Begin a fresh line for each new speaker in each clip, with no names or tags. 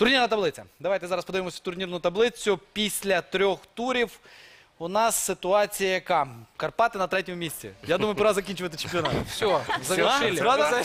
Турнірна таблиця. Давайте зараз подивимося турнірну таблицю. Після 3 турів у нас ситуація яка? Карпати на 3-му місці. Я думаю, пора закінчувати чемпіонат.
Все, завершили.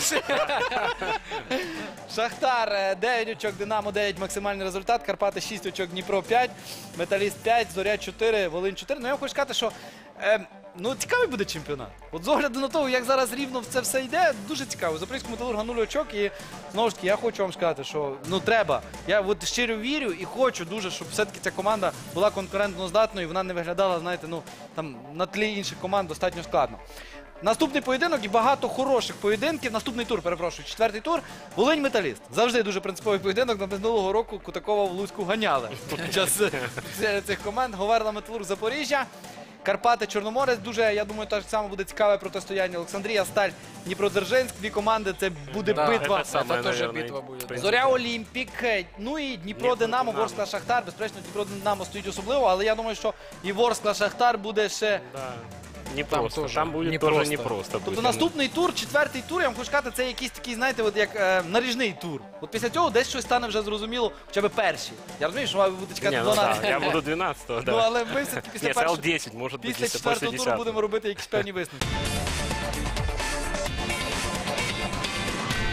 Шахтар 9 очок, Динамо 9 максимальний результат, Карпати 6 очок, Дніпро 5, Металіст 5, Зоря 4, Волинь 4. Ну я хочу сказати, що цікавий буде чемпіонат. От з огляду на те, як зараз рівно це все йде, дуже цікаво. Запорізькому Металургу 0 очок і знову ж таки я хочу вам сказати, що треба. Я от щиро вірю і хочу дуже, щоб все-таки ця команда була конкурентно здатною і вона не виглядала, знаєте, там на тлі інших команд достатньо складно. Наступний поєдинок і багато хороших поєдинків. Наступний тур, перепрошую, 4-й тур. Волинь-Металіст. Завжди дуже принциповий поєдинок. На минулого року Кутакова в Луцьку ганяли під час цих команд. Говерла Металург Запоріжжя. Карпати Чорноморець. Дуже, я думаю, так само буде цікаве протистояння. Олександрія, Сталь, Дніпродзержинськ. Дві команди, це буде битва.
Це теж битва буде.
Зоря Олімпік. Ну і Дніпро Динамо, Ворскла Шахтар. Безперечно, Дніпро Динамо стоїть особливо, але я думаю, що і Ворскла Шахтар буде ще...
Непросто. Там буде теж непросто.
Тобто наступний тур, 4-й тур, я вам хочу сказати, це якийсь такий, знаєте, от як наріжний тур. От після цього десь щось стане вже зрозуміло, хоча б перші. Я розумію, що ви будете чекати 12.
Я буду 12-го,
Ну, але ми все-таки після
10, може бути,
після 4-го туру будемо робити якісь певні висновки.